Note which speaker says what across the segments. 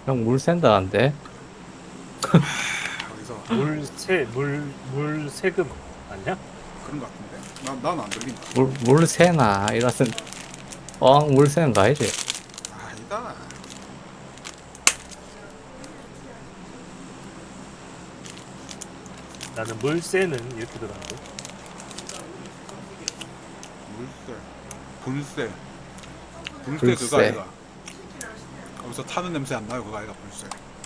Speaker 1: 형 물 샌다는데?
Speaker 2: 여기서
Speaker 3: 물 세금 아니야?
Speaker 2: 그런 거 같은데? 난 안 들린다.
Speaker 1: 물 새나 이러슨 물 새는 거 아니지?
Speaker 2: 아니다.
Speaker 3: 나는 물세는 이렇게 들었는데.
Speaker 2: 물세, 불세, 불세 그거
Speaker 1: 불세.
Speaker 2: 아이가. 거기서 타는 냄새 안 나요, 그거 아이가 불세.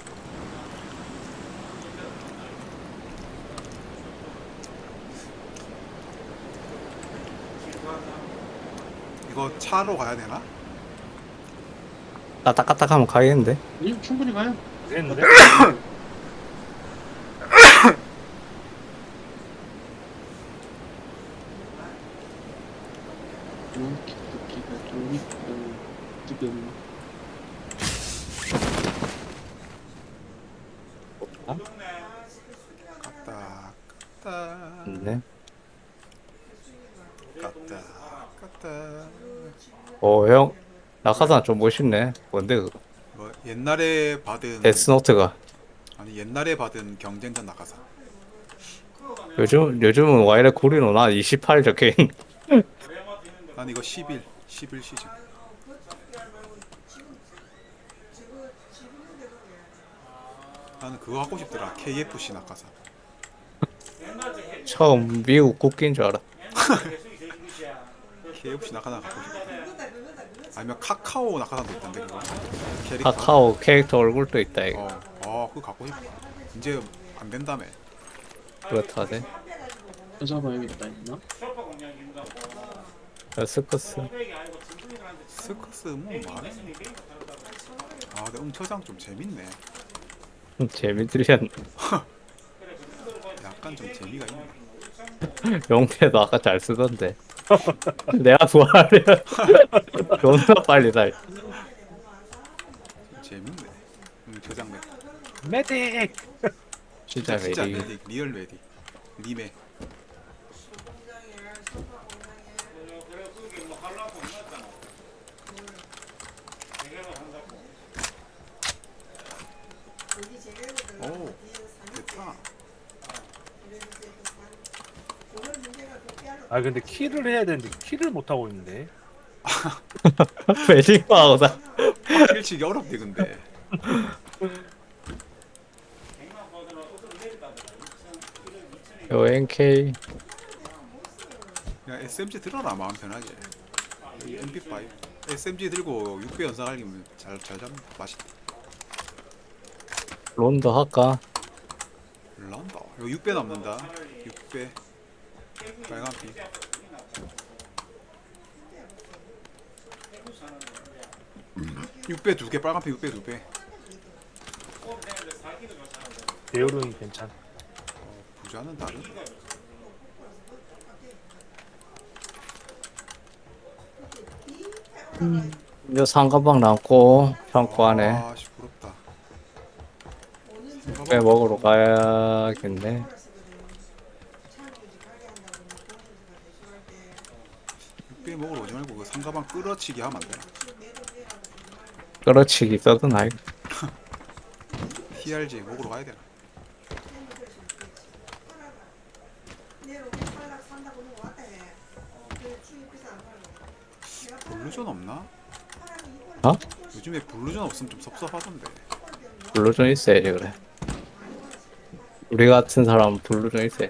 Speaker 2: 이거 차로 가야 되나?
Speaker 1: 까딱까딱하면 가겠는데?
Speaker 4: 아니요, 충분히 가요.
Speaker 3: 그랬는데?
Speaker 4: 이렇게 듣기가 좀 있고, 지금.
Speaker 2: 갔다, 갔다,
Speaker 1: 네.
Speaker 2: 갔다, 갔다.
Speaker 1: 형 낙하산 좀 멋있네. 뭔데 그거?
Speaker 2: 뭐 옛날에 받은
Speaker 1: 데스노트가.
Speaker 2: 아니 옛날에 받은 경쟁전 낙하산.
Speaker 1: 요즘은 와이래 구리노나 28 적혀있는.
Speaker 2: 난 이거 11 시즌. 나는 그거 하고 싶더라. KFC 낙하산.
Speaker 1: 처음 미국 국기인 줄 알아.
Speaker 2: KFC 낙하산 갖고 싶다. 아니면 카카오 낙하산도 있던데 그거. 캐릭터.
Speaker 1: 카카오 캐릭터 얼굴도 있다 이거.
Speaker 2: 그거 갖고 싶다. 이제 안 된다며.
Speaker 1: 그렇다네.
Speaker 4: 찾아봐야겠다, 있나?
Speaker 1: 스커스.
Speaker 2: 스커스 뭐 말해. 근데 응처장 좀 재밌네.
Speaker 1: 재밌으셨네.
Speaker 2: 약간 좀 재미가 있네.
Speaker 1: 용태도 아까 잘 쓰던데. 내가 부활하려 존나 빨리 달.
Speaker 2: 재밌네. 응처장 맵.
Speaker 3: 메딕!
Speaker 1: 진짜
Speaker 2: 진짜
Speaker 1: 매리.
Speaker 2: 메딕, 리얼 메딕. 리메. 오, 됐다.
Speaker 3: 아 근데 키를 해야 되는데 키를 못 하고 있는데.
Speaker 1: 매직마우다.
Speaker 2: 킬치기 어렵대 근데.
Speaker 1: 요 NK.
Speaker 2: 그냥 SMG 들어라 마음 편하게. 이 MP5 SMG 들고 6배 연사갈기면 잘 잡는 맛있다.
Speaker 1: 론더 할까?
Speaker 2: 란다. 이거 6배 남는다. 6배 빨간 피. 6배 2개, 빨간 피 6배 2배.
Speaker 3: 배율은 괜찮.
Speaker 2: 부자는 다른.
Speaker 1: 요 상가방 남고 창고 안에
Speaker 2: 아씨 부럽다.
Speaker 1: 배 먹으러 가야겠네.
Speaker 2: 6배 먹으러 오지 말고 그 상가방 끌어치기 하면 안 돼.
Speaker 1: 끌어치기 써든 아이.
Speaker 2: TRG 먹으러 가야 되나? 블루전 없나?
Speaker 1: 어?
Speaker 2: 요즘에 블루전 없으면 좀 섭섭하던데.
Speaker 1: 블루존 있어야지 그래. 우리 같은 사람은 블루존 있어야.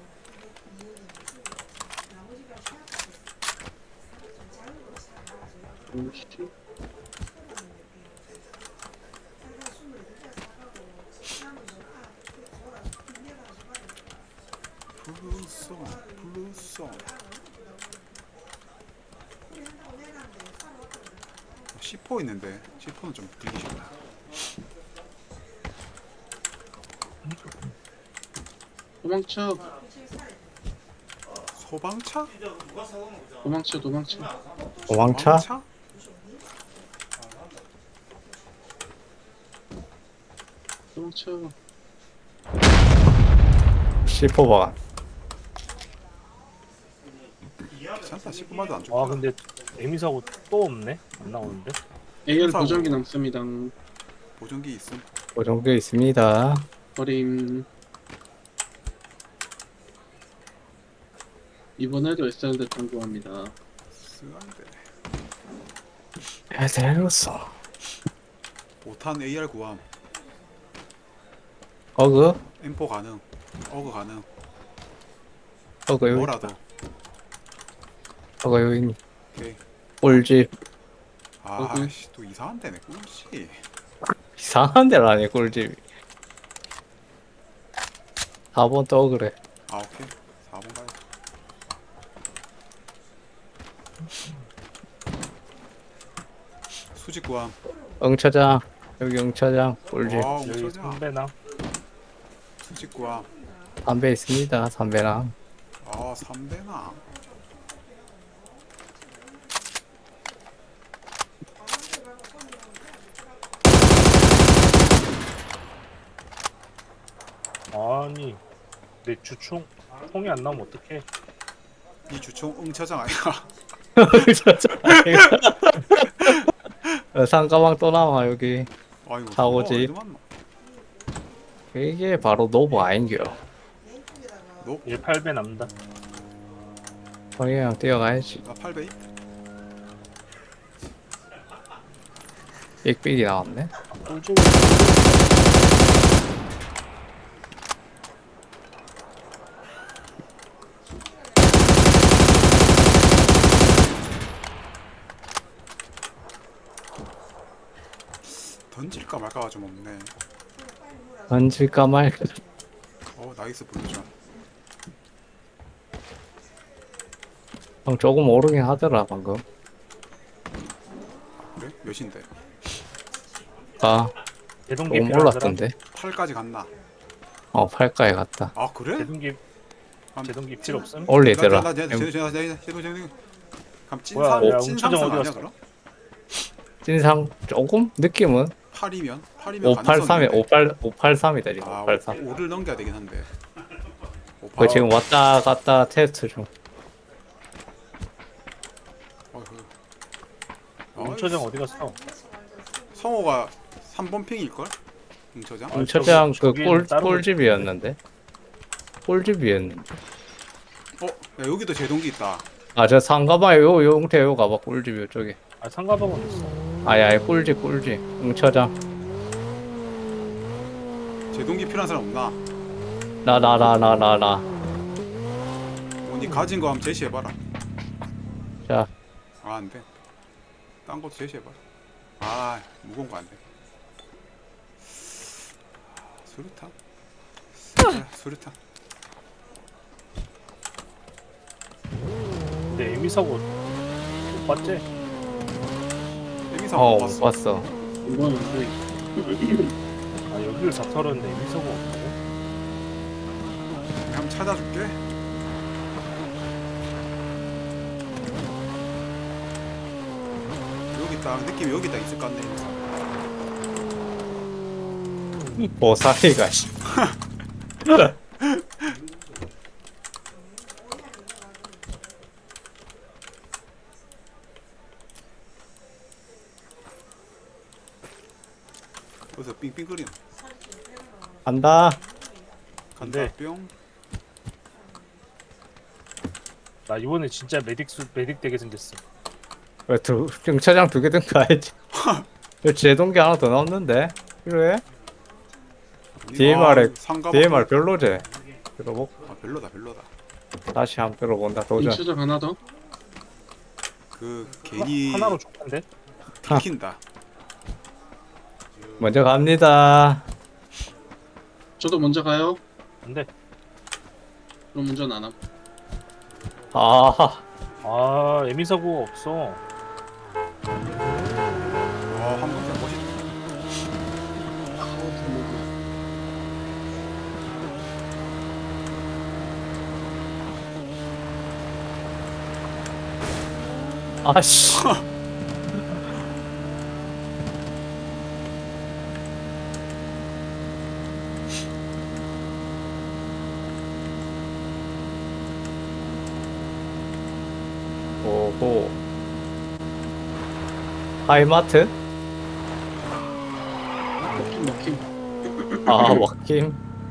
Speaker 4: 오씨.
Speaker 2: 블루송 블루송. C4 있는데 C4는 좀 들기 싫다.
Speaker 4: 도망쳐,
Speaker 2: 소방차?
Speaker 4: 도망쳐, 도망쳐.
Speaker 1: 도망차?
Speaker 4: 도망쳐.
Speaker 1: C4방.
Speaker 2: 괜찮다. C4마도 안
Speaker 3: 아
Speaker 2: 좋다.
Speaker 3: 근데 에미사고 또 없네. 안 나오는데.
Speaker 4: AR
Speaker 2: 사고.
Speaker 4: 보정기 남습니다.
Speaker 2: 보정기 있음.
Speaker 1: 보정기 있습니다.
Speaker 4: 버림. 이번에도 SRD 통보합니다.
Speaker 2: 쓰한데.
Speaker 1: 에데로서
Speaker 2: 5탄 AR 구함.
Speaker 1: 어그
Speaker 2: M4 가능. 어그 가능.
Speaker 1: 어그 여기
Speaker 2: 뭐라도.
Speaker 1: 어그 여기
Speaker 2: 오케이.
Speaker 1: 꿀집
Speaker 2: 아씨 또 이상한 데네 꿀씨.
Speaker 1: 이상한 데라니 꿀집 4번 또 그래.
Speaker 2: 아 오케이. 4번 가야 돼. 수직 구함.
Speaker 1: 응처장 여기 응처장 꿀집
Speaker 2: 와
Speaker 3: 여기
Speaker 2: 엄청나.
Speaker 3: 선배나
Speaker 2: 수직 구함.
Speaker 1: 담배 있습니다. 담배랑
Speaker 2: 아 3대나.
Speaker 3: 아니 내 주총 총이 안 나오면 어떡해.
Speaker 2: 이 주총 응처장 아니야?
Speaker 1: 상가방 또 나와 여기.
Speaker 2: 아이고
Speaker 1: 사고지.
Speaker 2: 어디 만나?
Speaker 1: 이게 바로 노브 아인겨.
Speaker 3: 18배 남다.
Speaker 1: 그냥 뛰어가야지.
Speaker 2: 나 8배.
Speaker 1: 삑삑이 나왔네.
Speaker 3: 꿀집
Speaker 2: 던질까 말까가 좀 없네.
Speaker 1: 던질까 말까.
Speaker 2: 나이스 블루전.
Speaker 1: 형 조금 오르긴 하더라 방금.
Speaker 2: 그래? 몇인데?
Speaker 1: 아
Speaker 3: 제동기
Speaker 1: 조금
Speaker 3: 필요하더라.
Speaker 1: 올랐던데.
Speaker 2: 8까지 갔나?
Speaker 1: 8가에 갔다.
Speaker 2: 아 그래?
Speaker 3: 제동기 필요 없음.
Speaker 1: 올리더라.
Speaker 2: 제동 그럼
Speaker 3: 뭐야,
Speaker 2: 찐상
Speaker 3: 야,
Speaker 2: 찐상승
Speaker 3: 운전자 어디
Speaker 2: 아니야
Speaker 3: 갔어?
Speaker 2: 그럼?
Speaker 1: 찐상 조금 느낌은
Speaker 2: 8이면
Speaker 1: 583에 583이다 지금.
Speaker 2: 아
Speaker 1: 583.
Speaker 2: 5를 넘겨야 되긴 한데.
Speaker 1: 그 지금 왔다 갔다 테스트 중.
Speaker 3: 운처장 어디 갔어?
Speaker 2: 성호가 3번 핑일 걸? 응처장?
Speaker 3: 아,
Speaker 1: 응처장 그
Speaker 3: 저기는 다른
Speaker 1: 꿀집이었는데. 꿀집이었는데.
Speaker 2: 야 여기도 제동기 있다.
Speaker 1: 아 저 상가방에 요 용태 요 가봐 꿀집 요쪽에.
Speaker 3: 아 상가방은 있어.
Speaker 1: 아야 꿀집 응처장.
Speaker 2: 제동기 필요한 사람 없나?
Speaker 1: 나.
Speaker 2: 니 가진 거 한번 제시해봐라.
Speaker 1: 자
Speaker 2: 아 안돼. 딴 것도 제시해봐라. 아 무거운 거 안돼. 수류탄? 수류탄.
Speaker 3: 근데 에미 사고 못 봤지?
Speaker 2: 에미사 못
Speaker 1: 못
Speaker 2: 봤어.
Speaker 1: 봤어.
Speaker 4: 이번은 또
Speaker 3: 아 여기를 다 털었는데 에미 사고 없다고?
Speaker 2: 한번 찾아줄게. 여기 있다. 느낌이 여기 있다 있을 것 같네.
Speaker 1: 보사리가 씨.
Speaker 2: 어디서 삥삥거리노?
Speaker 1: 간다.
Speaker 2: 간다
Speaker 3: 네.
Speaker 2: 뿅.
Speaker 3: 나 이번에 진짜 메딕 되게 생겼어.
Speaker 1: 왜 응처장 2개 든 거 알지? 여기 제동기 하나 더 나왔는데 필요해? DMR에 DMR 별로제. 들어보.
Speaker 2: 아 별로다.
Speaker 1: 다시 한번 들어본다. 도전.
Speaker 4: 인추적 하나 더.
Speaker 2: 그 괜히
Speaker 3: 하나로 좋던데?
Speaker 2: 들킨다.
Speaker 1: 먼저 갑니다.
Speaker 4: 저도 먼저 가요.
Speaker 3: 근데
Speaker 4: 그럼 운전 안 함.
Speaker 3: 아 에미 사고 없어.
Speaker 2: 한번 더 멋있다.
Speaker 1: 아씨. 오호. 하이마트?
Speaker 4: 먹힘.
Speaker 1: 아 먹힘.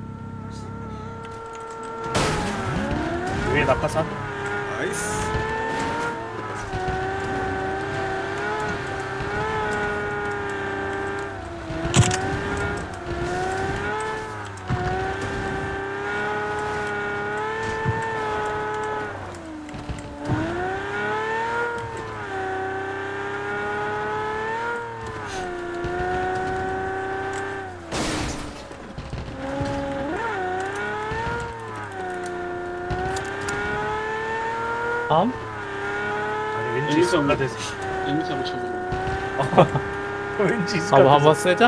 Speaker 3: 위에 낙하산.
Speaker 2: 나이스.
Speaker 1: 다음?
Speaker 3: 아니 왠지
Speaker 4: 여기서
Speaker 3: 있을까 돼서.
Speaker 4: 에미사로 쳐보고.
Speaker 3: 왠지 있을까
Speaker 1: 한번
Speaker 3: 돼서.
Speaker 1: 쓰자.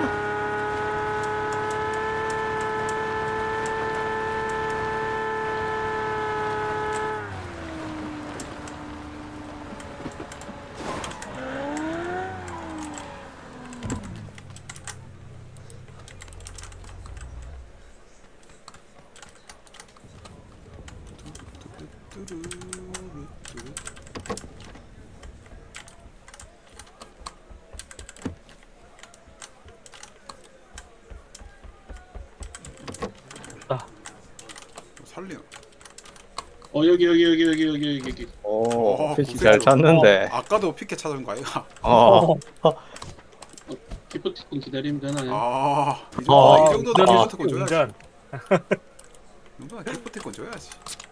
Speaker 2: 뚜루루뚜루.
Speaker 3: 아,
Speaker 2: 살리나?
Speaker 4: 여기.
Speaker 1: 오 피치
Speaker 2: 고생했어.
Speaker 1: 잘 찾는데.
Speaker 2: 아까도 피켓 찾은 거 아이가?
Speaker 1: 어.
Speaker 4: 기프티콘 기다리면 되나요?
Speaker 2: 이
Speaker 1: 어,
Speaker 2: 정도는
Speaker 1: 아.
Speaker 2: 기프티콘 줘야지.
Speaker 3: 운전.
Speaker 2: 이 정도는 기프티콘 줘야지.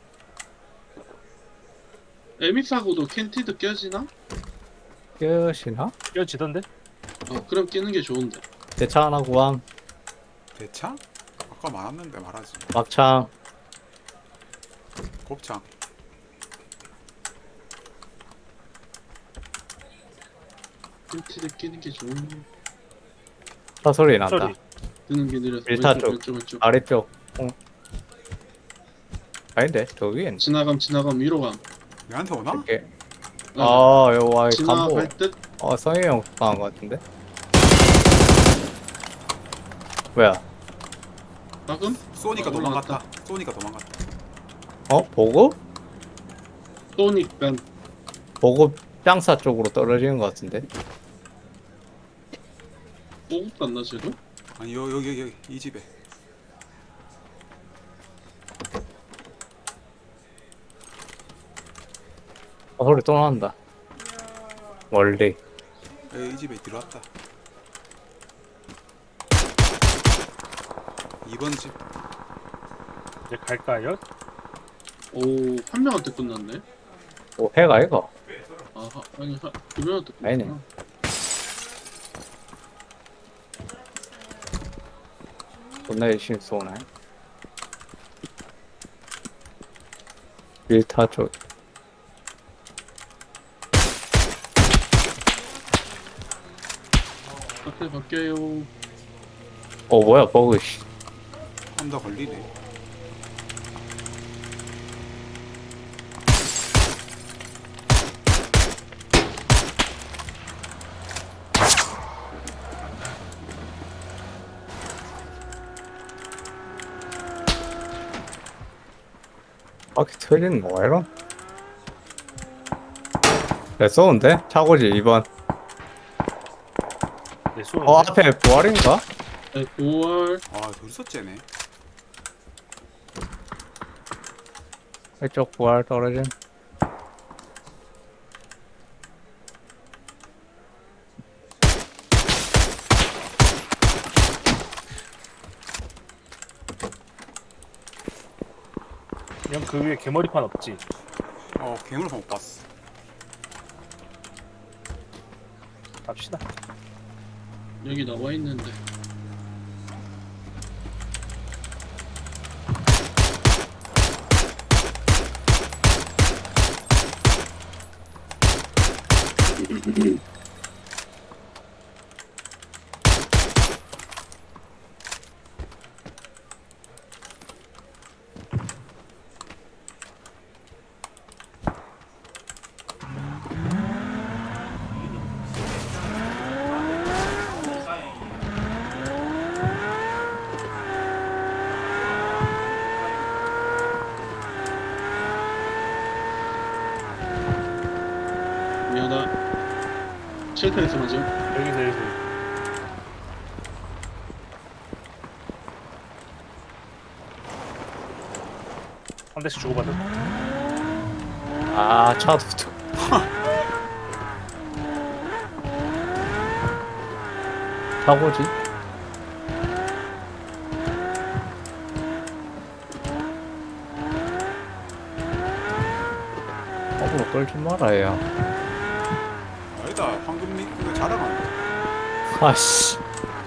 Speaker 4: 에미사고도 캔티드 껴지나?
Speaker 1: 끝이나?
Speaker 3: 껴지던데?
Speaker 4: 그럼 끼는 게 좋은데.
Speaker 1: 대차 하나 구함.
Speaker 2: 대창? 아까 많았는데 말하지.
Speaker 1: 막창.
Speaker 2: 곱창.
Speaker 4: 캔티드 끼는 게 좋은데.
Speaker 1: 차 소리 난다.
Speaker 3: 소리.
Speaker 4: 드는 게 느려서
Speaker 1: 일타 쪽.
Speaker 4: 왼쪽.
Speaker 1: 아래쪽. 아닌데 저 위엔.
Speaker 4: 지나감 위로 감.
Speaker 2: 얘한테 오나?
Speaker 1: 이렇게.
Speaker 4: 어,
Speaker 1: 아 여와 간보.
Speaker 4: 지나갈 듯.
Speaker 1: 성희 형 당한 것 같은데. 뭐야?
Speaker 4: 방금?
Speaker 2: 쏘니까
Speaker 4: 올라갔다.
Speaker 2: 도망갔다. 쏘니까 도망갔다.
Speaker 1: 보급?
Speaker 4: 소닉 밴.
Speaker 1: 보급 장사 쪽으로 떨어지는 것 같은데.
Speaker 4: 보급 갔나 쟤도?
Speaker 2: 아니 여기 이 집에.
Speaker 1: 소리 또 난다. 멀리.
Speaker 2: 이 집에 들어왔다. 2번 집.
Speaker 3: 이제 갈까요?
Speaker 4: 오, 한 명한테 끝났네.
Speaker 1: 오 해가 이거.
Speaker 4: 아니, 두 명한테 끝났구나.
Speaker 1: 아니네. 존나 열심히 쏘네. 밀타 쪽.
Speaker 4: 앞에 바뀌어요.
Speaker 1: 뭐야 버그 씨.
Speaker 2: 한 더 걸리네.
Speaker 1: 바퀴 틀리는 뭐야 이런? 내 쏘는데? 차고지 2번.
Speaker 3: 네, 쏘는데.
Speaker 1: 앞에 부활인가?
Speaker 4: 네, 9월.
Speaker 2: 둘이서 째네.
Speaker 1: 이쪽 부활 떨어짐.
Speaker 3: 형 그 위에 개머리판 없지?
Speaker 2: 괴물판 못 봤어.
Speaker 3: 갑시다.
Speaker 4: 여기 나와 있는데. 미안하다. 쉘터에서 맞아.
Speaker 3: 여기서. 한 대씩 주고받은.
Speaker 1: 아 차도 또. 사고지? 거꾸로 끌지 말아야.
Speaker 2: 아니다 황금리 그거 자랑한다.
Speaker 1: 아씨.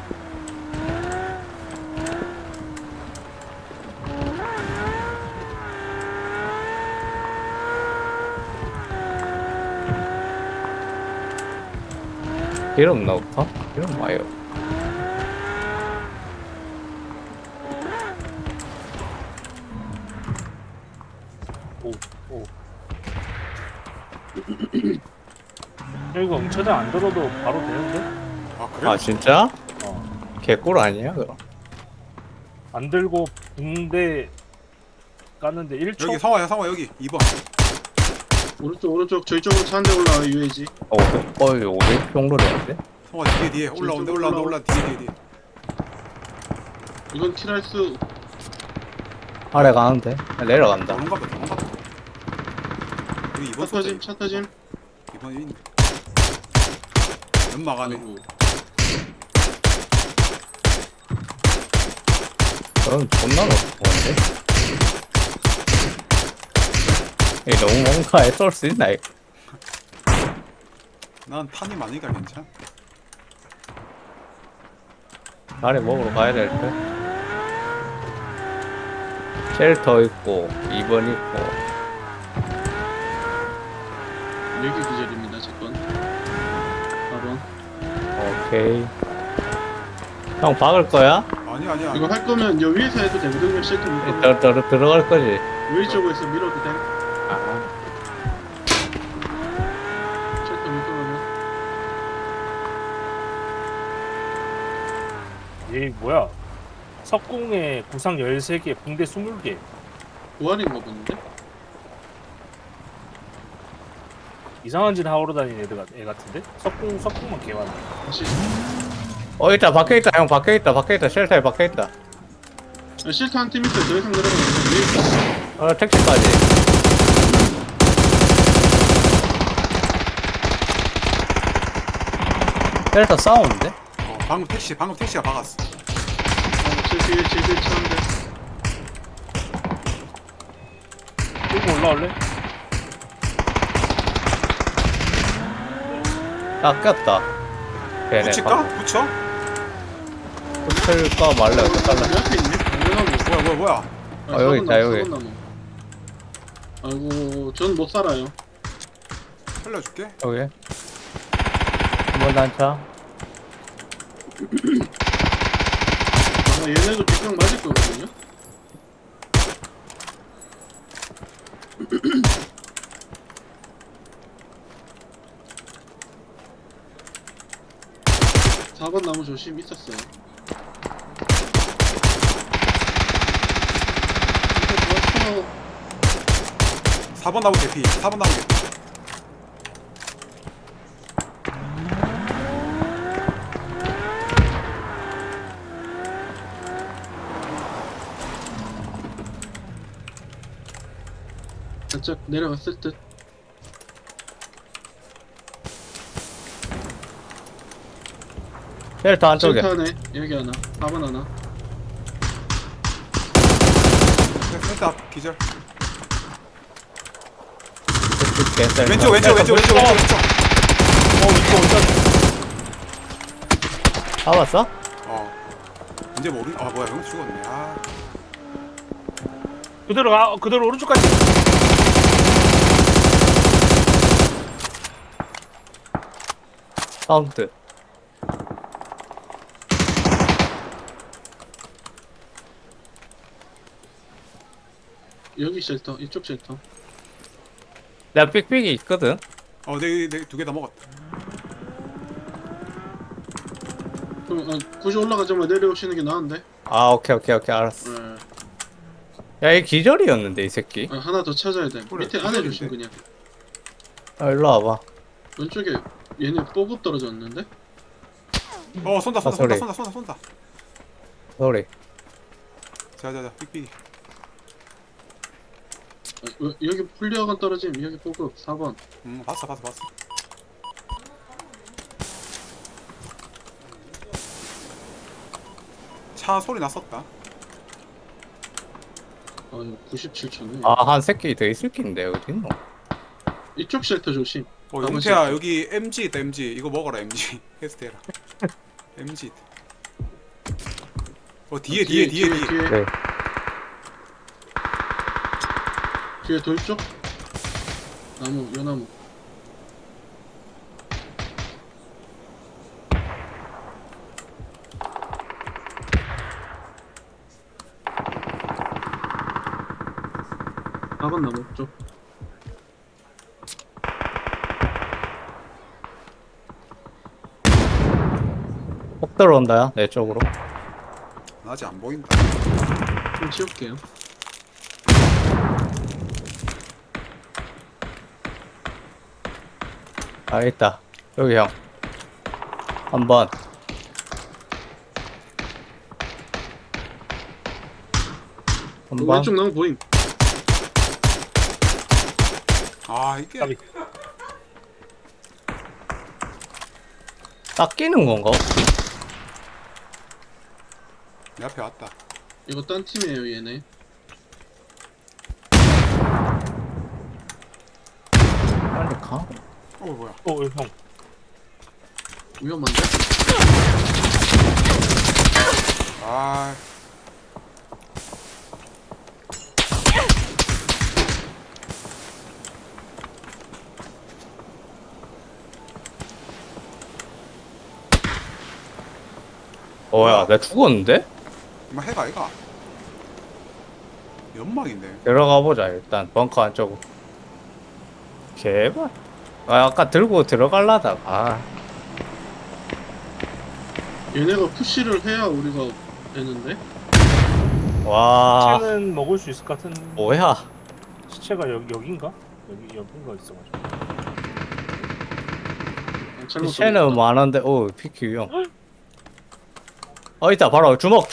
Speaker 1: 이름 나올까? 이름 와요.
Speaker 3: 오, 오. 야, 이거 응처장 안 들어도 바로 되는데?
Speaker 2: 아 그래?
Speaker 1: 아 진짜?
Speaker 3: 어.
Speaker 1: 개꿀 아니야 그럼?
Speaker 3: 안 들고 붕대 깠는데 1초?
Speaker 2: 여기 상호야 여기 2번.
Speaker 4: 오른쪽 저희 쪽으로 차 한 대 올라와요 UAG.
Speaker 1: 이거 500 정도 되는데?
Speaker 2: 상호야 뒤에 올라온다 뒤에.
Speaker 4: 이건 킬할수
Speaker 1: 아래 가는데? 내려간다.
Speaker 2: 도망가. 여기 2번 쏘자.
Speaker 4: 차 터짐.
Speaker 2: 2번 있네. 연막 안에.
Speaker 4: 아이고.
Speaker 1: 그럼 존나 높은데? 이 너무 뭔가에 쏠 수 있나 이거?
Speaker 2: 난 탄이 많으니까 괜찮아.
Speaker 1: 아래 먹으러 가야 될 듯? 쉘터 있고 2번 있고
Speaker 4: 여기 기절입니다 제건. 4번.
Speaker 1: 오케이. 형 박을 거야?
Speaker 2: 아니야.
Speaker 4: 이거 할 거면 여 위에서 해도 되거든요. 쉘터 밑으로.
Speaker 1: 들어갈 거지?
Speaker 4: 위 쪽에서 밀어도 돼.
Speaker 1: 아,
Speaker 4: 쉘터 밑으로 하면.
Speaker 3: 얘 뭐야? 석궁에 구상 13개, 붕대 20개.
Speaker 4: 보안인가 보는데?
Speaker 3: 이상한 짓 하러 다니는 애 같은데? 석궁만 개많네.
Speaker 4: 다시.
Speaker 1: 있다 박혀있다 형 박혀있다 쉘터에 박혀있다.
Speaker 4: 아, 쉘터 한 팀 있어요. 더 이상 내려가면 안 돼.
Speaker 1: 택시까지. 쉘터 싸우는데?
Speaker 2: 방금 택시가 박았어.
Speaker 4: 제 뒤에 차 한 대.
Speaker 3: 끌고 올라올래?
Speaker 1: 깎였다. 걔네
Speaker 2: 붙일까? 붙여?
Speaker 1: 붙을까 말래 어떡할래?
Speaker 4: 내 앞에 있네. 당연하고.
Speaker 2: 뭐야?
Speaker 1: 여기 있다, 여기.
Speaker 4: 아이고, 전 못 살아요.
Speaker 2: 살려줄게.
Speaker 1: 여기 한번 단차.
Speaker 4: 아마 얘네도 뒷강 맞을 거거든요. (4번) 나무 조심 있었어요. 이거 좋았어.
Speaker 2: 4번 나무 개피.
Speaker 4: 살짝 내려갔을 듯.
Speaker 1: 쉘터 안쪽에.
Speaker 4: 셀타네 여기 하나 4번 하나.
Speaker 2: 일단 기절.
Speaker 1: 줄게,
Speaker 2: 왼쪽.
Speaker 3: 이거 어디다?
Speaker 1: 잡았어?
Speaker 2: 이제 모르. 아 뭐야 형 죽었네. 아
Speaker 3: 그대로 오른쪽까지.
Speaker 1: 사운드.
Speaker 4: 여기 쉘터 이쪽 쉘터.
Speaker 1: 내가 삑삑이 있거든?
Speaker 2: 내 두 개 다 먹었다.
Speaker 4: 그럼 굳이 올라가자마자 내려오시는 게 나은데.
Speaker 1: 아 오케이 알았어.
Speaker 4: 네.
Speaker 1: 야 이 기절이었는데 이 새끼.
Speaker 4: 하나 더 찾아야 돼.
Speaker 2: 그래,
Speaker 4: 밑에 안에
Speaker 2: 기절인데.
Speaker 4: 조심 그냥.
Speaker 1: 일로 와봐.
Speaker 4: 왼쪽에 얘네 뽀급 떨어졌는데.
Speaker 2: 쏜다.
Speaker 1: 소리. 소리.
Speaker 2: 자자자 삑삑이.
Speaker 4: 여기 플리어건 떨어짐. 여기 보급 4번.
Speaker 2: 봤어. 차 소리 났었다.
Speaker 4: 이거 97초네.
Speaker 1: 한 새끼 더 있을 낀데 어디 있노?
Speaker 4: 이쪽 쉘터 조심.
Speaker 2: 용태야 여기 MG 있다. MG 이거 먹어라. MG 퀘스트 해라. MG 있다. 뒤에.
Speaker 1: 네.
Speaker 4: 뒤에 돌 쪽. 요 나무. 번 나무 쪽.
Speaker 1: 폭 들어온다야 내 쪽으로.
Speaker 2: 나 아직 안 보인다.
Speaker 4: 좀 치울게요.
Speaker 1: 있다. 여기 형. 한번. 한번.
Speaker 4: 왼쪽 나무 보임.
Speaker 2: 이게
Speaker 3: 까비.
Speaker 1: 딱 끼는 건가?
Speaker 2: 내 앞에 왔다.
Speaker 4: 이거 딴 팀이에요 얘네.
Speaker 1: 빨리 가.
Speaker 2: 뭐야?
Speaker 3: 형.
Speaker 4: 위험한데?
Speaker 1: 내가 죽었는데?
Speaker 2: 해가 아이가. 연막인데.
Speaker 1: 들어가 보자 일단 벙커 안쪽으로. 개발. 아까 들고 들어갈라다가.
Speaker 4: 얘네가 푸시를 해야 우리가 되는데?
Speaker 1: 와.
Speaker 3: 시체는 먹을 수 있을 것 같은.
Speaker 1: 뭐야?
Speaker 3: 시체가 여긴가? 여긴가 있어가지고.
Speaker 4: 잘못
Speaker 1: 쟤는 많은데 피키 형. 있다 바로 주먹.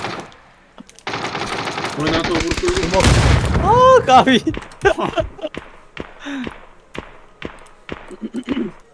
Speaker 4: 우리 나한테 오고 끌고
Speaker 1: 까비.